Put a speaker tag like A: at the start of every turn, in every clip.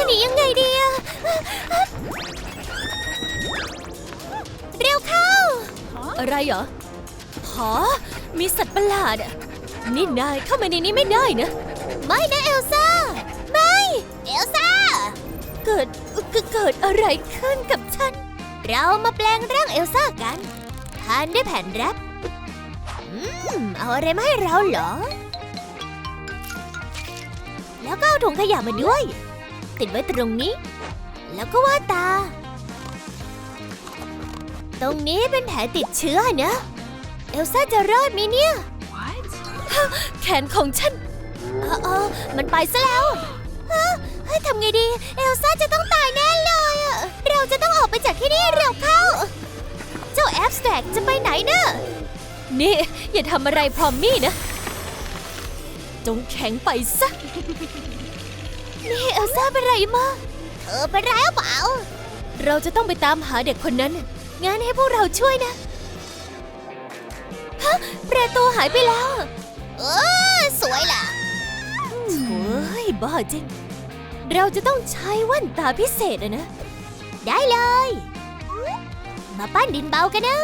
A: หนียังไงดีอะเร็วเข้าอะไรเหรอมีสัตว์ประหลาดอะนี่นายเข้ามาในนี้ไม่ได้นะไม่นะเอลซ่าไม่เอลซ่าเกิดอะไรขึ้นกับฉันเรามาแปลงร่างเอลซ่ากันทานด้วยแผ่นแรปเอาอะไรมาให้เราเหรอแล้วก็เอาถุงขยะมาด้วยติดไว้ตรงนี้แล้วก็วาดตาตรงนี้เป็นแผลติดเชื้อนะเอลซ่าจะรอดไหมเนี่ย แขนของฉันมันไปซะแล้วทำไงดีเอลซ่าจะต้องตายแน่เลยเราจะต้องออกไปจากที่นี่เร็วเข้าเจ้าแอบสแตรกจะไปไหนนะนี่อย่าทำอะไรพรอมมี่นะจงแข็งไปซะนี่เอลซ่าเป็นไรมาเธอเป็นไรหรือเปล่าเราจะต้องไปตามหาเด็กคนนั้นงั้นให้พวกเราช่วยนะประตูหายไปแล้วสวยล่ะโอ้ยบ้าจริงเราจะต้องใช้แว่นตาพิเศษนะได้เลยมาปั้นดินเบากันนะ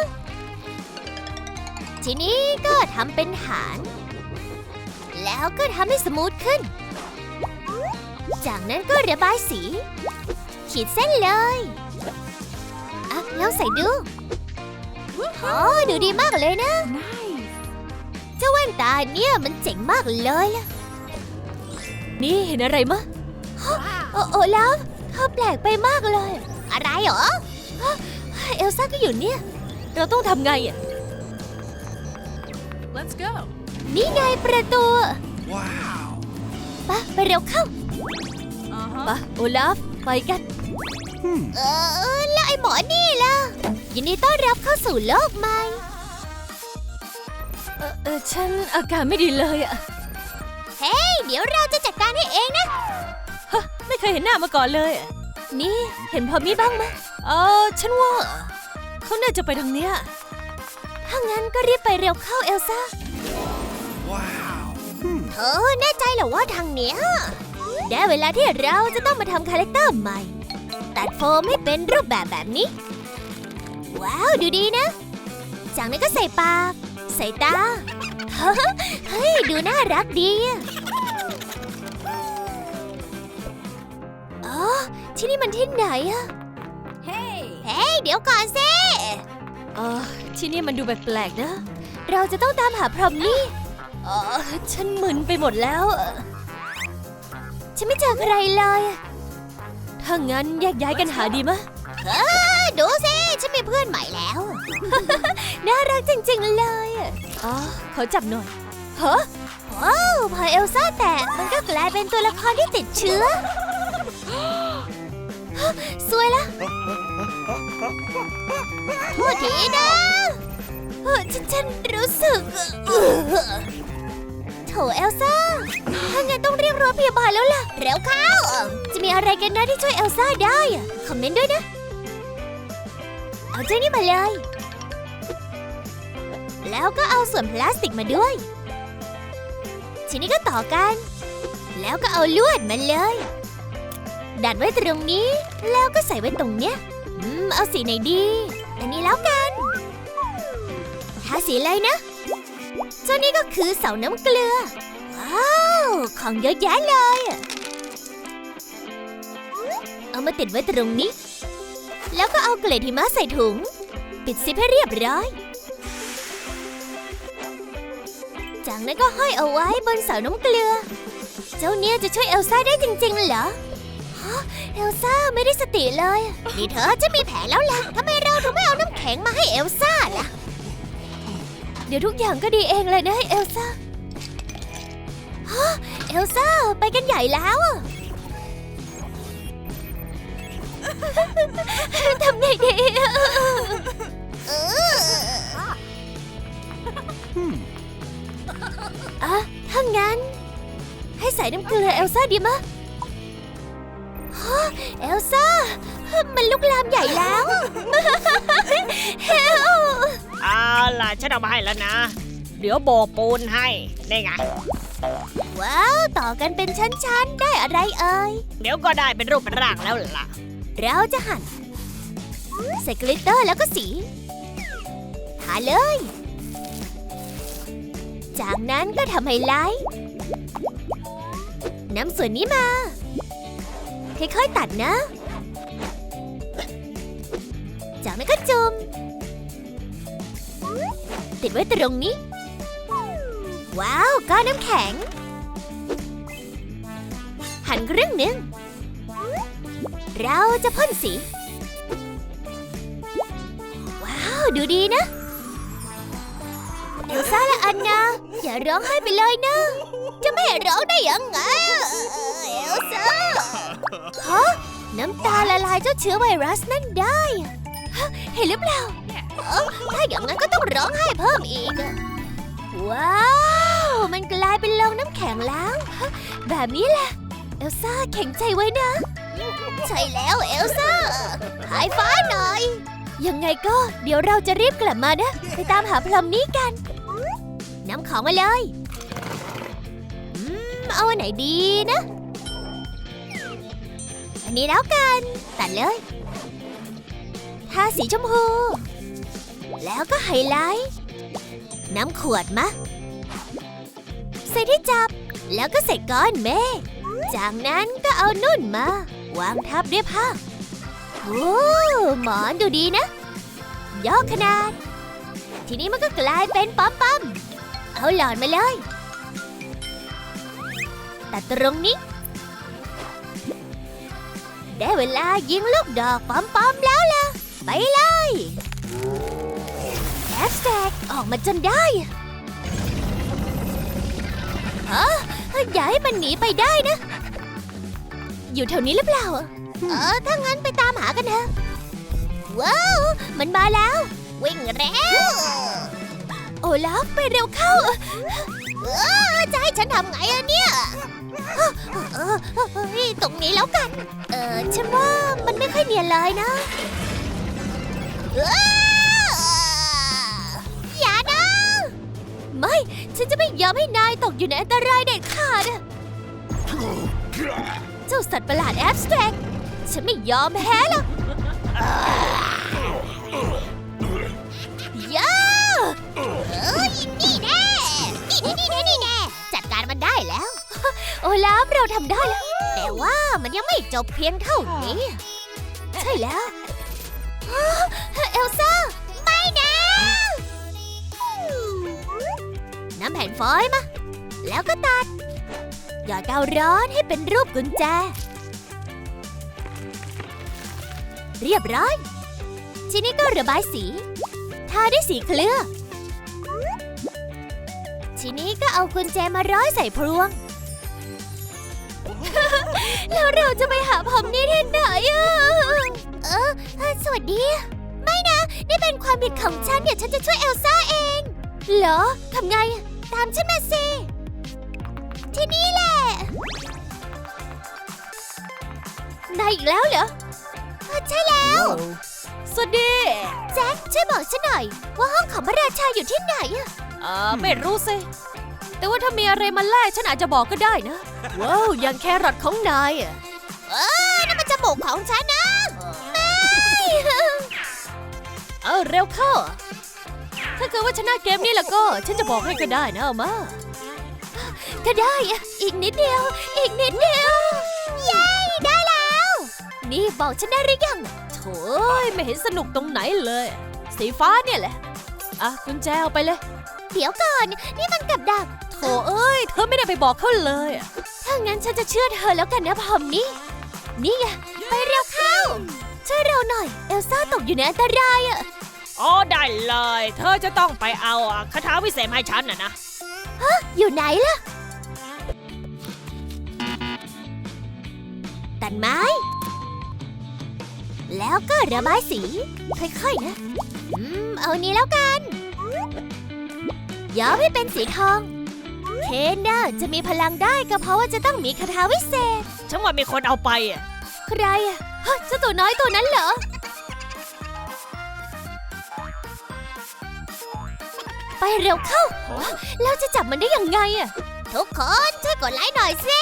A: ทีนี้ก็ทำเป็นฐานแล้วก็ทำให้สมูทขึ้นจากนั้นก็ระบายสีขีดเส้นเลยลองใส่ดูดูดีมากเลยนะเจ้าแว่นตาเนี่ยมันเจ๋งมากเลยล่ะนี่เห็นอะไรมะโอ้แล้วเธอแปลกไปมากเลยอะไรเหรอเอลซ่าก็อยู่เนี่ยเราต้องทำไง
B: Let's go
A: นี่ไงประตูว้าวไปเร็วเข้าไปโอลาฟไปกันแล้วไอ้หมอนี่ล่ะยินดีต้อนรับเข้าสู่โลกใหม่ฉันอาการไม่ดีเลยเฮ้ยเดี๋ยวเราจะจัดการให้เองนะไม่เคยเห็นหน้ามาก่อนเลยนี่เห็นพอมี่บ้างไหมฉันว่าเขาน่าจะไปทางเนี้ยถ้างั้นก็รีบไปเร็วเข้าเอลซ่าว้าวเธอแน่ใจเหรอว่าทางเนี้ยได้เวลาที่เราจะต้องมาทำคาแรคเตอร์ใหม่ตัดโฟมให้เป็นรูปแบบนี้ว้าวดูดีนะจากนั้นก็ใส่ปากใส่ตาเฮ้ยดูน่ารักดีที่นี่มันที่ไหนเฮ้ยเดี๋ยวก่อนสิที่นี่มันดูแปลกๆนะเราจะต้องตามหาพรอมนี่ฉันมึนไปหมดแล้วฉันไม่เจอใครเลยถ้างั้นแยกย้ายกันหาดีมะดูสิฉันมีเพื่อนใหม่แล้ว น่ารักจริงๆเลยขอจับหน่อยว้าวพอเอลซ่าแตกมันก็กลายเป็นตัวละครที่ติดเชื้อสวยละโทษทีนะฉันรู้สึกโถเอลซ่าถ้างั้นต้องเรียกรถพยาบาลแล้วล่ะเร็วเข้าจะมีอะไรกันนะที่ช่วยเอลซ่าได้คอมเมนต์ด้วยนะเอาเจ้านี่มาเลยแล้วก็เอาส่วนพลาสติกมาด้วยทีนี้ก็ต่อกันแล้วก็เอาลวดมาเลยดัดไว้ตรงนี้แล้วก็ใส่ไว้ตรงเนี้ยเอาสีไหนดีอันนี้แล้วกันทาสีเลยนะเจ้านี่ก็คือเสาน้ำเกลือว้าวของเยอะแยะเลยเอามาติดไว้ตรงนี้แล้วก็เอาเกล็ดหิมะใส่ถุงปิดซิปให้เรียบร้อยจากนั้นก็ห้อยเอาไว้บนเสาน้ำเกลือเจ้าเนี่ยจะช่วยเอลซ่าได้จริงๆเหรอเอลซ่าไม่ได้สติเลยนี่เธอจะมีแผลแล้วล่ะทำไมเราถึงไม่เอาน้ำแข็งมาให้เอลซ่าล่ะเดี๋ยวทุกอย่างก็ดีเองเลยนะเอลซ่าเอลซ่าไปกันใหญ่แล้วทำไงดีถ้างั้นให้ใส่น้ำเกลือเอลซ่าดีมะเอลซ่ามันลุกลามใหญ่แล้วเฮล
B: เอาล่ะฉันเอามาให้แล้วนะเดี๋ยวโบกปูนให้ได้ไง
A: ว้าว ต่อกันเป็นชั้นๆ ได้อะไรเอ่ย
B: เดี๋ยวก็ได้เป็นรูปเป็นร่างแล้วล่ะ
A: เราจะหั่นใส่กลิตเตอร์แล้วก็สีทาเลย จากนั้นก็ทำไฮไลท์นำส่วนนี้มา ค่อยๆตัดนะ จากนั้นก็จุ่มติดไว้ตรงนี้ ว้าวก้อนน้ำแข็ง หั่นครึ่งหนึ่งเราจะพ่นสี ว้าว ดูดีนะ เอลซ่าและอันนาอย่าร้องไห้ไปเลยนะ จะไม่ให้ร้องได้ยังไงเอลซ่าฮะน้ำตาละลายเจ้าเชื้อไวรัสนั่นได้ฮะเห็นหรือเปล่าถ้าอย่างนั้นก็ต้องร้องไห้เพิ่มอีกว้าว มันกลายเป็นโลงน้ำแข็งแล้วแบบนี้แหละเอลซ่าแข็งใจไว้นะ ใช่แล้วเอลซ่าหายฟ้าหน่อย ยังไงก็เดี๋ยวเราจะรีบกลับมานะ ไปตามหาพลัมนี้กันนำของมาเลยเอาอันไหนดีนะ อันนี้แล้วกันตัดเลยทาสีชมพูแล้วก็ไฮไลท์น้ำขวดมาใส่ที่จับแล้วก็ใส่ก้อนเมฆจากนั้นก็เอานุ่นมาวางทับด้วยผ้าโอ้หมอนดูดีนะย่อขนาดทีนี้มันก็กลายเป็นปั๊มๆเอาหลอดมาเลยตัดตรงนี้ได้เวลายิงลูกดอกปั๊มๆแล้วล่ะไปเลยแฮชแท็กออกมาจนได้อย่าให้มันหนีไปได้นะอยู่แถวนี้หรือเปล่าถ้างั้นไปตามหากันเถอะว้าวมันมาแล้ววิ่งเร็วโอลาฟไปเร็วเข้าจะให้ฉันทำไงอะเนี่ยตรงนี้แล้วกันฉันว่ามันไม่ค่อยเนียนเลยนะอย่านะไม่ฉันจะไม่ยอมให้นายตกอยู่ในอันตรายเด็ดขาดเจ้าสัตว์ประหลาดแอบสแตรกฉันไม่ยอมแพ้หรอกย่านี่แน่นี่แน่จัดการมันได้แล้วโอลาฟเราทำได้แล้วแต่ว่ามันยังไม่จบเพียงเท่านี้ใช่แล้วเอลซ่าไม่นะน้ำแผ่นฟอยล์มาแล้วก็ตัดหยอดกาวร้อนให้เป็นรูปกุญแจเรียบร้อยทีนี้ก็ระบายสีทาด้วยสีเคลือบทีนี้ก็เอากุญแจมาร้อยใส่พรวง แล้วเราจะไปหาผมนี่ที่ไหนสวัสดีไม่นะนี่เป็นความผิดของฉันเดี๋ยวฉันจะช่วยเอลซ่าเองเหรอทำไงตามฉันมาสิที่นี่แหละนายอีกแล้วเหรอใช่แล้วสวัสดีแจ็คช่วยบอกฉันหน่อยว่าห้องของพระราชาอยู่ที่ไหน
B: ไม่รู้สิแต่ว่าถ้ามีอะไรมาแลกฉันอาจจะบอกก็ได้นะว้าวอย่างแครอทของนาย
A: นั่นมันจมูกของฉันนะไม่
B: เร็วเข้าถ้าเกิดว่าชนะเกมนี้แล้วก็ฉันจะบอกให้ก็ได้นะเอามา
A: ก็ได้อีกนิดเดียวอีกนิดเดียวเย้ได้แล้วนี่บอกฉันได้หรือยัง
B: โถ่ไม่เห็นสนุกตรงไหนเลยสีฟ้าเนี่ยแหละกุญแจเอาไปเลย
A: เดี๋ยวก่อนนี่มันกับดัก
B: โถ่เอ้ยเธอไม่ได้ไปบอกเขาเลย
A: ถ้างั้นฉันจะเชื่อเธอแล้วกันนะพอมนี่ไงไปเร็วเข้าช่วยเราหน่อยเอลซ่าตกอยู่ในอันตราย
B: ได้เลยเธอจะต้องไปเอาคาถาวิเศษให้ฉันนะ
A: อยู่ไหนล่ะตัดไม้แล้วก็ระบายสีค่อยๆนะเอานี้แล้วกันย้อมให้เป็นสีทองเคนน่ะจะมีพลังได้ก็เพราะว่าจะต้องมีคาถาวิเศษ
B: ฉันว่ามีคนเอาไป
A: ใครเจ้าตัวน้อยตัวนั้นเหรอไปเร็วเข้าเราจะจับมันได้ยังไงทุกคนช่วยกดไลค์หน่อยสิ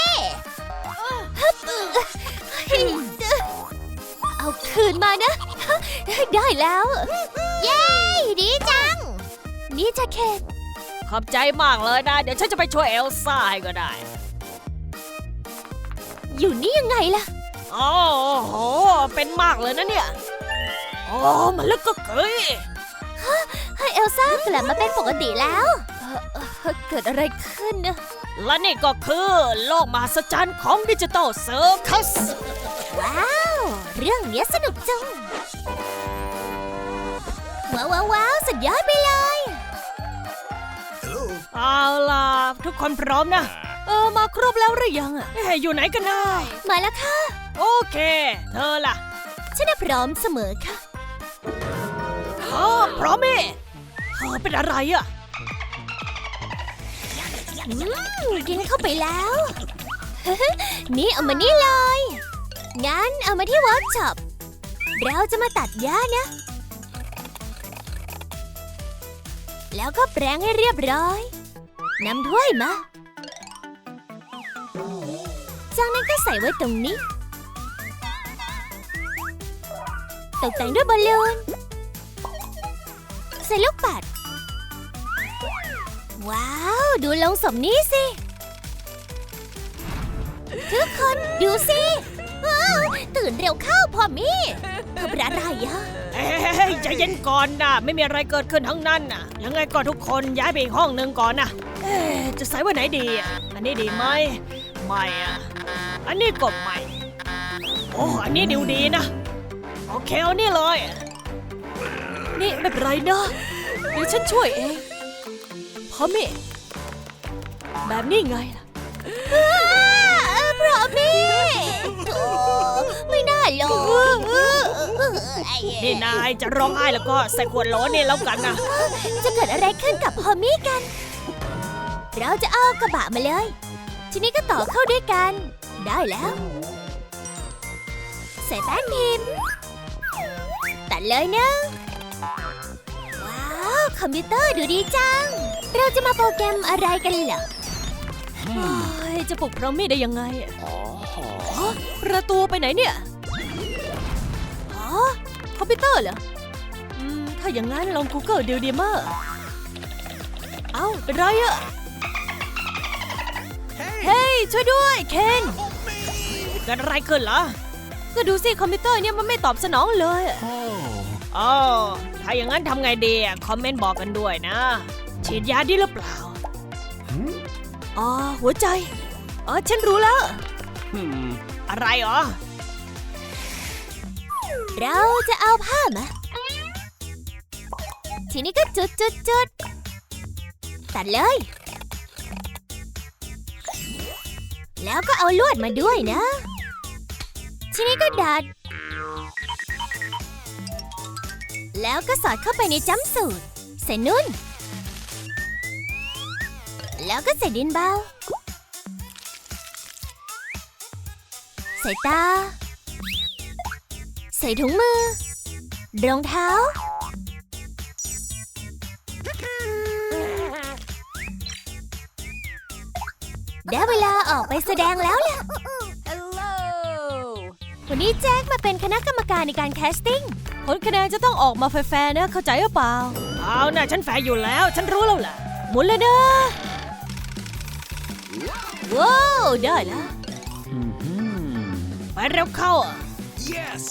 A: เอาคืนมานะ ได้แล้ว เย้ ดีจัง นี่จะเคน
B: ขอบใจมากเลยนะ เดี๋ยวฉันจะไปช่วยเอลซ่าให้ก็ได้
A: อยู่นี่ยังไงล่ะ
B: โอ้โห เป็นมากเลยนะเนี่ย โอ้มันลึกก็เกย
A: ให้เอลซ่ากลับมาเป็นปกติแล้วเกิดอะไรขึ้นนะ
B: และนี่ก็คือโลกมหัศจรรย์ของดิจิตอลเซิร์คัส
A: ว้าว เรื่องเนี้ยสนุกจัง ว้าว สุดยอดไปเลย
B: เอาล่ะ ทุกคนพร้อมนะ มาครบแล้วหรือยังอ่ะอยู่ไหนกันนะ
A: มาแล้วค่ะ
B: โอเค เธอล่ะ
A: ฉันน่ะพร้อมเสมอค่ะ
B: พร้อมมั้ยเธอเป็นอะไรอ่ะ
A: กินเข้าไปแล้ว นี่เอามานี่เลย งั้นเอามาที่เวิร์กช็อป เราจะมาตัดหญ้านะ แล้วก็แปรงให้เรียบร้อยนำถ้วยมา จากนั้นก็ใส่ไว้ตรงนี้ ตกแต่งด้วยบอลลูน ใส่ลูกปัด ว้าว ดูลงศพนี้สิ ทุกคนดูสิว้าวตื่นเร็วเข้าพอมี่เธอเป็นอะไรอะ
B: ใจเย็นก่อนนะไม่มีอะไรเกิดขึ้นทั้งนั้นน่ะยังไงก็ทุกคนย้ายไปอีกห้องหนึ่งก่อนนะจะใส่ไว้ไหนดีอ่ะอันนี้ดีไหมไม่อ่ะอันนี้ก็ไม่โอ้อันนี้ดีนะโอเคเอานี่เลยนี่ไม่เป็นไรนะเดี๋ยวฉันช่วยเองพอมี่แบบนี้ไงล่ะ
A: พอมี่ไม่น่าหรอก
B: นี่นายจะร้องไห้แล้วก็ใส่ขวดโหลนี่แล้วกันนะ
A: จะเกิดอะไรขึ้นกับพอมี่กัน เราจะเอากระบะมาเลย ทีนี้ก็ต่อเข้าด้วยกัน ได้แล้ว ใส่แป้นพิมพ์ตัดเลยนะ ว้าว คอมพิวเตอร์ดูดีจัง เราจะมาโปรแกรมอะไรกันเหรอ
B: จะปลุกพร้อมมี่ได้ยังไงประตูไปไหนเนี่ยคอมพิวเตอร์เหรอถ้าอย่างนั้นลอง Google ดูดีมากเอ้าเป็นไรอะเฮ้ยช่วยด้วยเคนเกิดอะไรขึ้นเหรอก็ดูสิคอมพิวเตอร์เนี่ยมันไม่ตอบสนองเลยอ๋อถ้าอย่างนั้นทำไงดีคอมเมนต์บอกกันด้วยนะฉีดยาดีหรือเปล่าอ๋อหัวใจฉันรู้แล้วอะไรเหรอ
A: เราจะเอาผ้ามา ทีนี้ก็จุดตัดเลย แล้วก็เอาลวดมาด้วยนะ ทีนี้ก็ดัด แล้วก็สอดเข้าไปในจัมป์สูทใส่นุ่น แล้วก็ใส่ดินเบา ใส่ตา ใส่ถุงมือ รองเท้า ได้เวลาออกไปแสดงแล้วล่ะ วันนี้แจ็คมาเป็นคณะกรรมการในการแคสติ้ง
B: ผลคะแนนจะต้องออกมาแฟร์ๆนะเข้าใจหรือเปล่าเอานะฉันแฟร์อยู่แล้วฉันรู้แล้วแหละหมุนเลยนะว้าวได้แล้วไปเร็วเข้าyes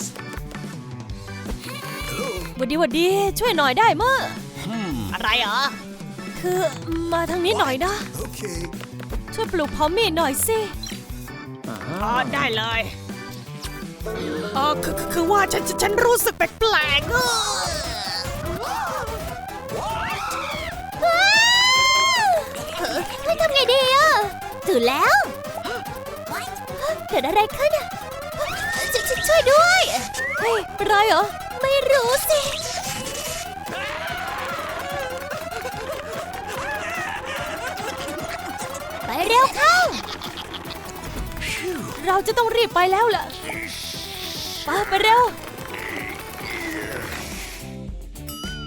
B: วันดีช่วยหน่อยได้มั้ยอะไรเหรอคือมาทางนี้หน่อยนะช่วยปลุกพอมมี่หน่อยสิได้เลยคือว่าฉันรู้สึกแปลกๆ
A: ทำไงดีอ่ะตื่นแล้ว เกิดอะไรขึ้นอ่ะช่วยด้วยเฮ้ยเป็นไรเหรอไม่รู้สิ ไปเร็วเข้า
B: เราจะต้องรีบไปแล้วล่ะไปเร็ว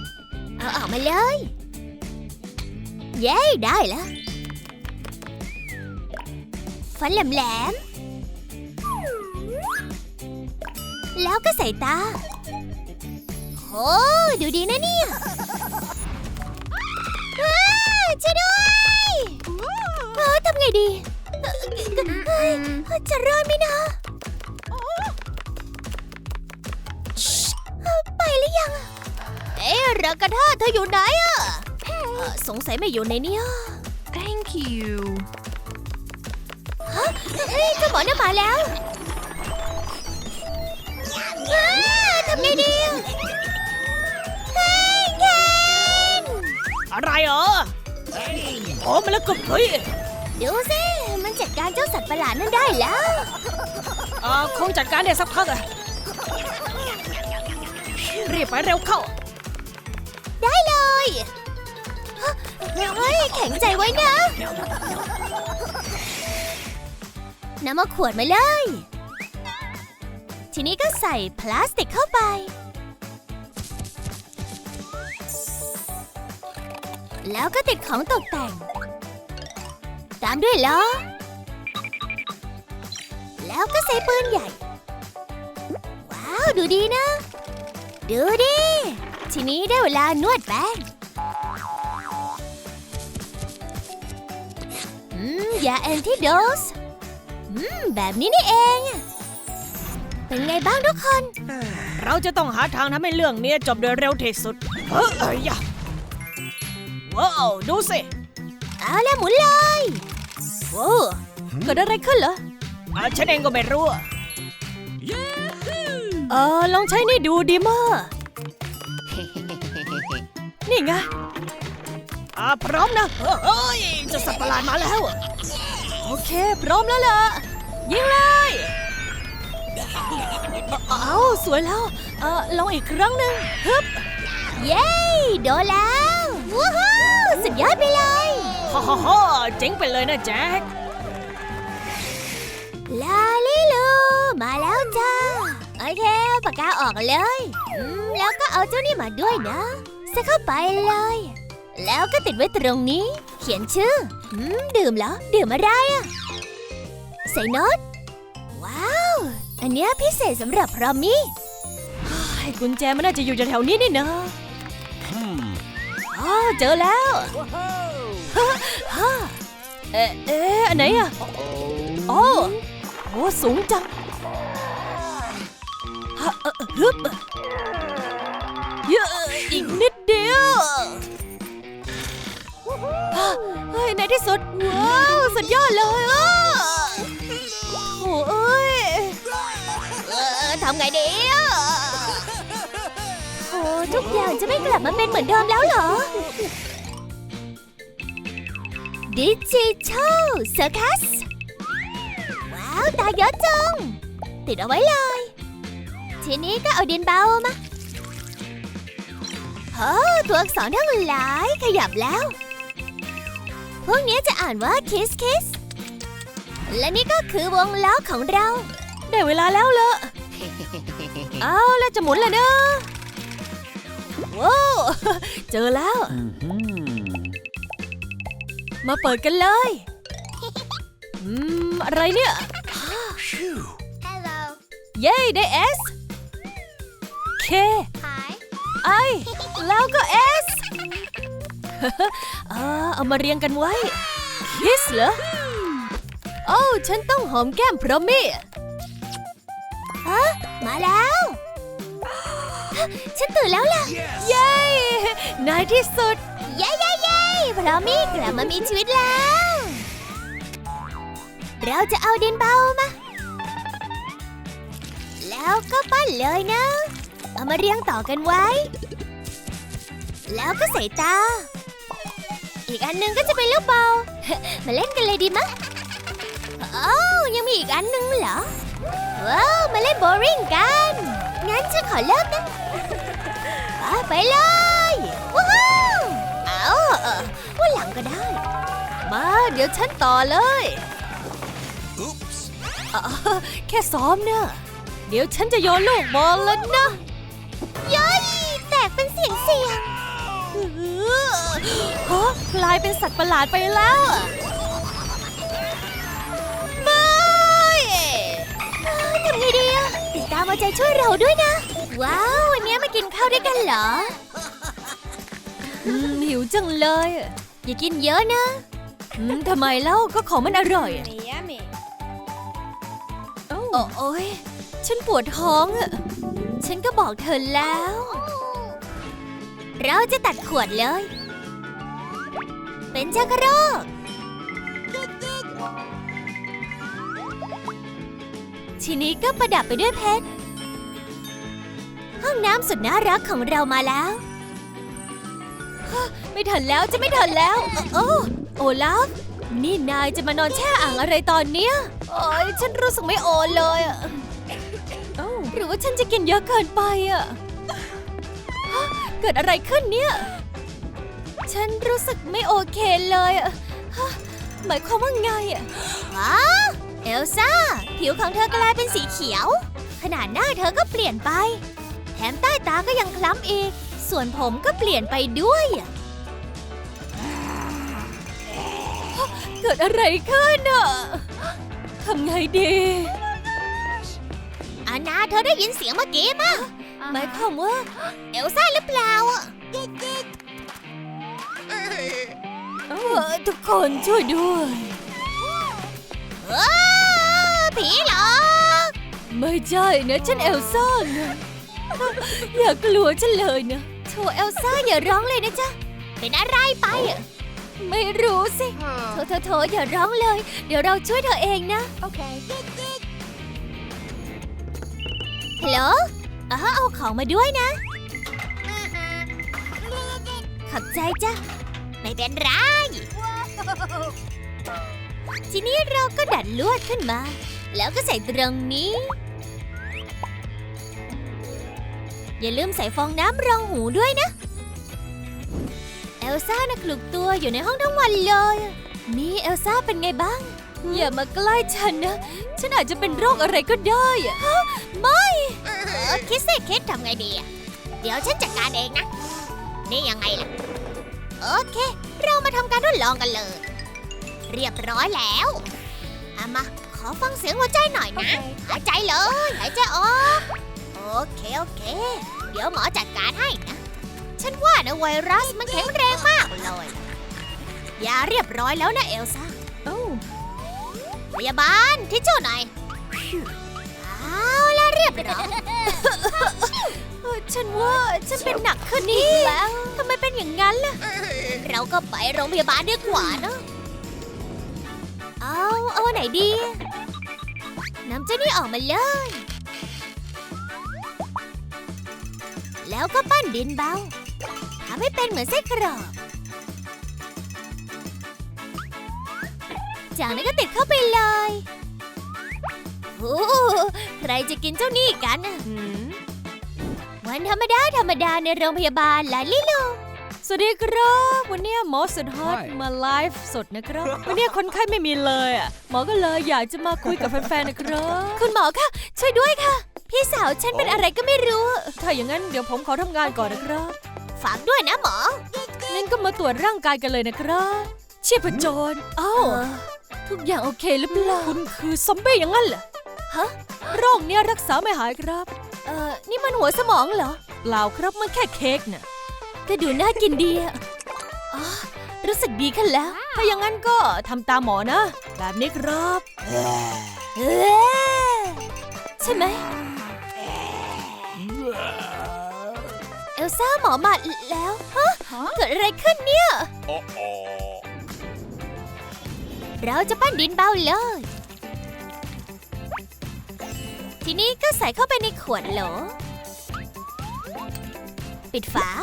A: เอาออกมาเลย เย้ได้แล้วฟันแหลมๆแล้วก็ใส่ตาโอ้ดูดีนะเนี่ยช่วยด้วยทำไงดีจะรอดไหมนะไปหรือยังรากาธาเธออยู่ไหนอะสงสัยไม่อยู่ในนี้
C: Thank you.
A: เจ้าหมอน่ะมาแล้วทำไงดีเฮ้ยเคน
B: อะไรเหรอโอ้มาแล้วก็เฮ้ย
A: ดูสิมันจัดการเจ้าสัตว์ประหลาดนั่นได้แล้ว
B: คงจัดการได้สักพักอะรีบไปเร็วเข้า
A: ได้เลยเฮ้ยแข็งใจไว้นะนำมาขวดมาเลย ทีนี้ก็ใส่พลาสติกเข้าไปแล้วก็ติดของตกแต่งตามด้วยล้อแล้วก็ใส่ปืนใหญ่ว้าวดูดีนะดูดิทีนี้ได้เวลานวดแป้งยาแอนติโดสแบบนี้นี่เองเป็นไงบ้างทุกคน
B: เราจะต้องหาทางทำให้เรื่องนี้จบโดยเร็วที่สุดยะว้าวดูสิ
A: เอาละหมุนเลยโว้เกิดอะไรขึ้นเหรอ
B: ฉันเองก็ไม่รู้อะ
A: ลองใช้นี่ดูดีมากนี่ไง
B: พร้อมนะเฮ้ยเจะสัตว์ประหลาดมาแล้วอะ
A: โอเคพร้อมแล้วล่ะยิงเลยเอาสวยแล้วลองอีกครั้งหนึ่งฮึบเย้โดนแล้วว้าวสุดยอดไปเลย
B: ฮ่าเจ๋งไปเลยนะแจ็ค
A: ลาลิลูมาแล้วจ้าโอเคเอาปากกาออกเลยแล้วก็เอาเจ้านี่มาด้วยนะใส่เข้าไปเลยแล้วก็ติดไว้ตรงนี้เขียนชื่อดื่มเหรอดื่มอะไรอะใส่โน้ตว้าวอันเนี้ยพิเศษสำหรับพรอมมี่กุญแจมันน่าจะอยู่แถวๆนี้นี่นะเจอแล้วอันไหนอะโอ้สูงจังฮึบอีกนิดเดียวเฮ้ยในที่สุดว้าวสุดยอดเลยโอ้เอ้ยทำไงดีโอ้ทุกอย่างจะไม่กลับมาเป็นเหมือนเดิมแล้วเหรอดิจิทัลเซอร์คัสว้าวตาเยอะจังติดเอาไว้เลยทีนี้ก็เอาดินเบามาตัวอักษรทั้งหลายขยับแล้วพวกนี้จะอ่านว่า kiss kiss และนี่ก็คือวงล้อของเราได้เวลาแล้วล่ะเอาแล้วจะหมุนเลยนะว้าวเจอแล้วมาเปิดกันเลยอะไรเนี่ยเย้ได้ S K I แล้วก็ S เอามาเรียงกันไว้ Kiss เหรอโอ้ฉันต้องหอมแก้มพรอมมี่มาแล้วฉันตื่นแล้วล่ะเย้ในที่สุดเย้พรอมมี่กลับมามีชีวิตแล้วเราจะเอาดินเบามาแล้วก็ปั้นเลยนะเอามาเรียงต่อกันไว้แล้วก็ใส่ตาอีกอันหนึงก็จะเป็นลูกบอลมาเล่นกันเลยดีมั้ยยังมีอีกอันหนึงเหรอว้าวมาเล่นโบว์ลิ่งกันงั้นฉันขอเริ่มนะไปเลยว้าววันหลังก็ได้มาเดี๋ยวฉันต่อเลยแค่ซ้อมเนี่ยเดี๋ยวฉันจะโยนลูกบอลแล้วนะย้อยแตกเป็นเสียงกลายเป็นสัตว์ประหลาดไปแล้วไม่ามเอาใจช่วยเราด้วยนะว้าววันนี้มากินข้าวด้วยกันเหรอหิวจังเลยอย่ากินเยอะนะทำไมเล่าก็ของมันอร่อยโอ้ยฉันปวดท้องอ่ะฉันก็บอกเธอแล้วเราจะตัดขวดเลยเป็นชักโครกทีนี้ก็ประดับไปด้วยเพชรห้องน้ำสุดน่ารักของเรามาแล้วไม่ทันแล้วจะไม่ทันแล้วโอลาฟนี่นายจะมานอนแช่อ่างอะไรตอนเนี้ยโอ้ยฉันรู้สึกไม่โอเลยอ่ะหรือว่าฉันจะกินเยอะเกินไปอ่ะเกิดอะไรขึ้นเนี่ยฉันรู้สึกไม่โอเคเลยอ่ะหมายความว่าไงอ่ะเอลซ่าผิวของเธอกลายเป็นสีเขียวขนาดหน้าเธอก็เปลี่ยนไปแถมใต้ตาก็ยังคล้ำอีกส่วนผมก็เปลี่ยนไปด้วยเกิดอะไรขึ้นอ่ะทำไงดีอานาเธอได้ยินเสียงเมื่อกี้ป่ะหมายความว่าเอลซ่าหรือเปล่าอ่ะทุกคนช่วยด้วยผีหรอไม่ใช่นะฉันเอลซ่านะอย่ากลัวฉันเลยนะโธ่เอลซ่าอย่าร้องเลยนะจ๊ะเป็นอะไรไปอ่ะไม่รู้สิโธ่อย่าร้องเลยเดี๋ยวเราช่วยเธอเองนะโอเคฮัลโหลเอาของมาด้วยนะขอบใจจ้ะไม่เป็นไรทีนี้เราก็ดัดลวดขึ้นมาแล้วก็ใส่ตรงนี้อย่าลืมใส่ฟองน้ำรองหูด้วยนะเอลซ่าน่ะคลุกตัวอยู่ในห้องทั้งวันเลยนี่เอลซ่าเป็นไงบ้างอย่ามาใกล้ฉันนะฉันอาจจะเป็นโรคอะไรก็ได้ไม่คิดสิคิดทำไงดีเดี๋ยวฉันจัดการเองนะนี่ยังไงล่ะโอเคเรามาทำการทดลองกันเลยเรียบร้อยแล้วมาขอฟังเสียงหัวใจหน่อยนะหายใจเลยหายใจออกโอเคเดี๋ยวหมอจัดการให้นะฉันว่านะไวรัสมันแข็งแรงมากเลยยาเรียบร้อยแล้วนะเอลซ่าพยาบาลทิชชู่หน่อยเอาล่ะเรียบร้อยฉันว่าฉันเป็นหนักขึ้นนี่แล้วทำไมเป็นอย่างนั้นล่ะเราก็ไปโรงพยาบาลดีกว่านะเอาไหนดีน้ำเจ้านี่ออกมาเลยแล้วก็ปั้นดินเบาทำให้เป็นเหมือนไส้กรอกจากนั้นก็ติดเข้าไปเลยโอ้ใครจะกินเจ้านี่กันวันธรรมดาในโรงพยาบาลลาลิลูสวัสดีครับวันนี้หมอสุดฮอตมาไลฟ์สดนะครับวันนี้คนไข้ไม่มีเลยหมอก็เลยอยากจะมาคุยกับแฟนๆนะครับคุณหมอคะช่วยด้วยค่ะพี่สาวฉันเป็นอะไรก็ไม่รู้ถ้าอย่างนั้นเดี๋ยวผมขอทำงานก่อนนะครับฝากด้วยนะหมองั้นก็มาตรวจร่างกายกันเลยนะครับชีพจรทุกอย่างโอเคหรือเปล่าคุณคือซอมบี้อย่างนั้นเหรอฮะโรคเนี้ยรักษาไม่หายครับนี่มันหัวสมองเหรอเปล่าครับมันแค่เค้กน่ะก็ดูน่ากินดีรู้สึกดีขึ้นแล้วถ้าอย่างนั้นก็ทำตามหมอนะแบบนี้ครับใช่ไหมเอลซ่าหมอมาแล้วเกิดอะไรขึ้นเนี่ยเราจะปั้นดินเบาเลยทีนี้ก็ใส่เข้าไปในขวดโหลปิดฝา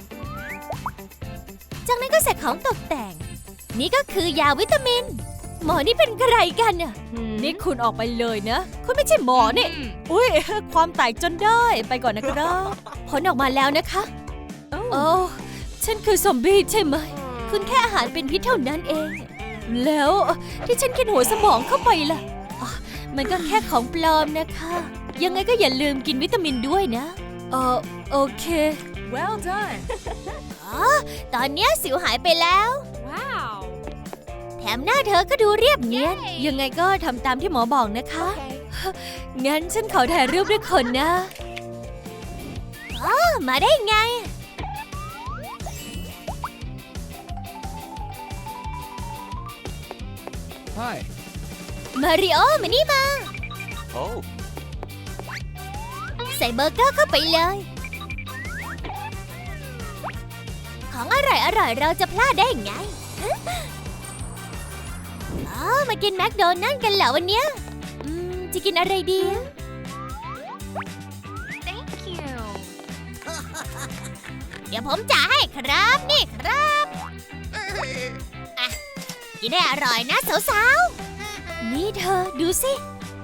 A: จากนั้นก็ใส่ของตกแต่งนี่ก็คือยาวิตามินหมอนี่เป็นใครกันน่ะนี่คุณออกไปเลยนะคุณไม่ใช่หมอนี่อุ้ยความแตกจนได้ไปก่อนนะครับผลออกมาแล้วนะคะโอ้ฉันคือซอมบี้ใช่ไหมคุณแค่อาหารเป็นพิษเท่านั้นเองแล้วที่ฉันกินหัวสมองเข้าไปล่ะมันก็แค่ของปลอมนะคะยังไงก็อย่าลืมกินวิตามินด้วยนะโอเค well done ตอนนี้สิวหายไปแล้วว้าวแถมหน้าเธอก็ดูเรียบเนียนยังไงก็ทำตามที่หมอบอกนะคะงั้นฉันขอถ่ายรูปด้วยคนนะมาได้ไง
C: Hi.
A: มาริโอมานี่มา
C: Oh.
A: ใส่เบอร์เกอร์เข้าไปเลย ของอร่อยเราจะพลาดได้ไงมากินแมคโดนัลด์กันเหรอวันเนี้ยจะกินอะไรดี
D: Thank you.
A: เดี๋ยวผมจ่ายให้ครับนี่ครับอ่ะกินได้อร่อยนะสาวๆนี่เธอดูสิ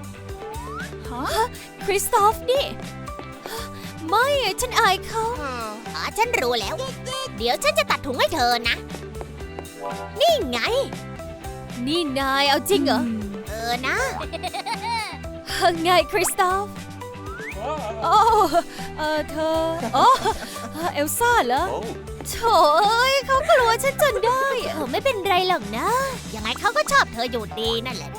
A: คริสตอฟนี่ไม่ฉันอายเขาฉันรู้แล้ว เดี๋ยวฉันจะตัดถุงให้เธอนะ นี่ไง นี่นายเอาจริงเหรอนะ ไงคริสตอฟโอ้เธอโอ้เอลซ่าเหรอ
C: Oh.
A: โถ่เขากลัวฉันจนได้ไม่เป็นไรหรอกนะ ยังไงเขาก็ชอบเธออยู่ดีนั่นแหละ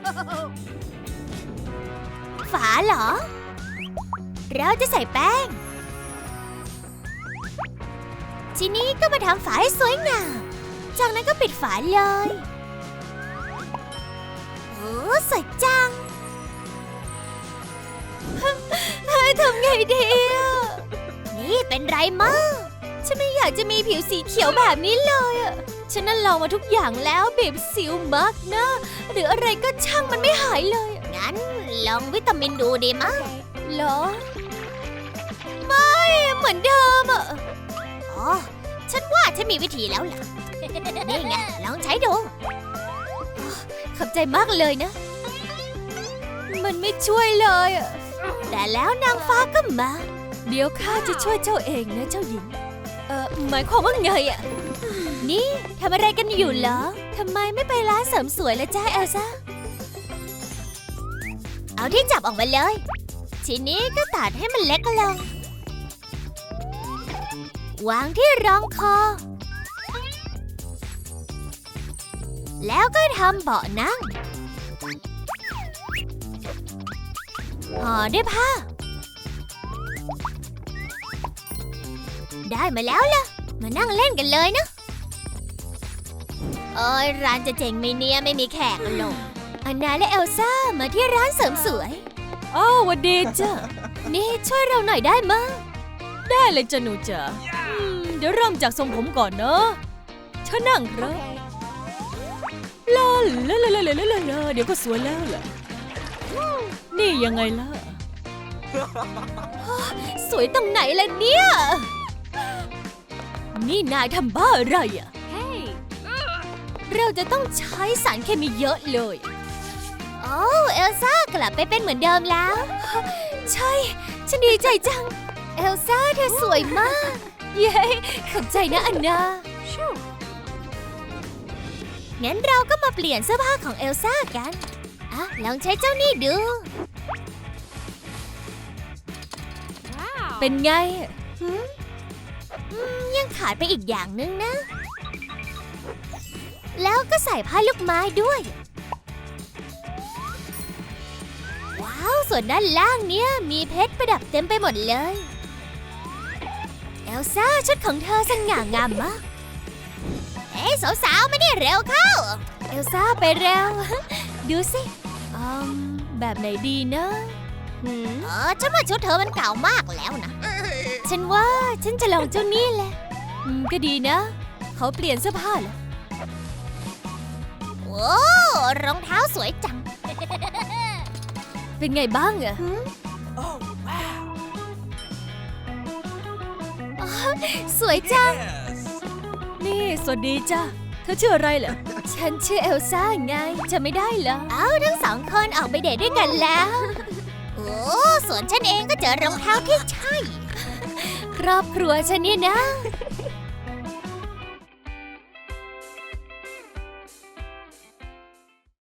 A: ฝาเหรอ เราจะใส่แป้ง ทีนี้ก็มาทำฝาให้สวยงาม จากนั้นก็ปิดฝาเลยโอ้สวยจัง ทำไงดีอ่ะนี่เป็นไรมั้งฉันไม่อยากจะมีผิวสีเขียวแบบนี้เลยอ่ะ ฉันนั่นลองมาทุกอย่างแล้วบีบสิวมักนะหรืออะไรก็ช่างมันไม่หายเลย งั้นลองวิตามินดูดีมั้งเหรอ ไม่เหมือนเดิมอ่ะ อ๋อ ฉันว่าฉันมีวิธีแล้วล่ะ นี่ไงลองใช้ดู ขอบใจมากเลยนะ มันไม่ช่วยเลยอ่ะ แต่แล้วนางฟ้าก็มา เดี๋ยวข้าจะช่วยเจ้าเองนะเจ้าหญิง หมายความว่าไงอ่ะ นี่ทำอะไรกันอยู่เหรอ ทำไมไม่ไปร้านเสริมสวยละจ้าเอลซ่า เอาที่จับออกมาเลย ทีนี้ก็ตัดให้มันเล็กลง วางที่รองคอ แล้วก็ทำเบาะนั่ง ห่อด้วยผ้า ได้มาแล้วล่ะ มานั่งเล่นกันเลยนะโอ้ยร้านจะเจ๋งไหมเนี่ยไม่มีแขกหรอกอันนาและเอลซ่ามาที่ร้านเสริมสวยอ้าววันดีจ้ะ นี่ช่วยเราหน่อยได้มั้ยได้เลยจ้ะหนูจ๋าเดี๋ยวเริ่มจากทรงผมก่อนเนอะเธอนั่งครับลาลาลาลาลาลาลาเดี๋ยวก็สวยแล้วล่ะนี่ยังไงล่ะ สวยตรงไหนล่ะเนี่ย นี่นายทำบ้าอะไรอ่ะ
D: Hey.
A: เราจะต้องใช้สารเคมีเยอะเลย โอ้เอลซ่ากลับไปเป็นเหมือนเดิมแล้ว ใช่ ฉันดีใจจัง เอลซ่าเธอสวยมาก เย้ขอบใจนะอันนา
D: Shoo.
A: งั้นเราก็มาเปลี่ยนเสื้อผ้าของเอลซ่ากันอ่ะลองใช้เจ้านี่ดู
D: Wow.
A: เป็นไงยังขาดไปอีกอย่างนึงนะ แล้วก็ใส่ผ้าลูกไม้ด้วย ว้าว ส่วนด้านล่างเนี่ยมีเพชรประดับเต็มไปหมดเลย เอลซ่าชุดของเธอสง่างามมาก เฮ้ยสาวๆมานี่เร็วเข้า เอลซ่าไปเร็ว ดูสิแบบไหนดีนะฉันว่าชุดเธอมันเก่ามากแล้วนะ ฉันว่าฉันจะลองเจ้านี่แหละก็ดีนะ เขาเปลี่ยนเสื้อผ้าแล้วโอ้รองเท้าสวยจัง เป็นไงบ้างอะ
C: Oh wow.
A: สวยจัง
C: Yes.
B: นี่สวัสดีจ้ะ เธอชื่ออะไรเหรอ
A: ฉันชื่อเอลซ่าไงจะไม่ได้เหรอ เอ้าทั้งสองคนออกไปเดทด้วยกันแล้ว โอ้ส่วนฉันเองก็เจอรองเท้าที่ใช่ ครอบครัวฉันเนี่ยนะ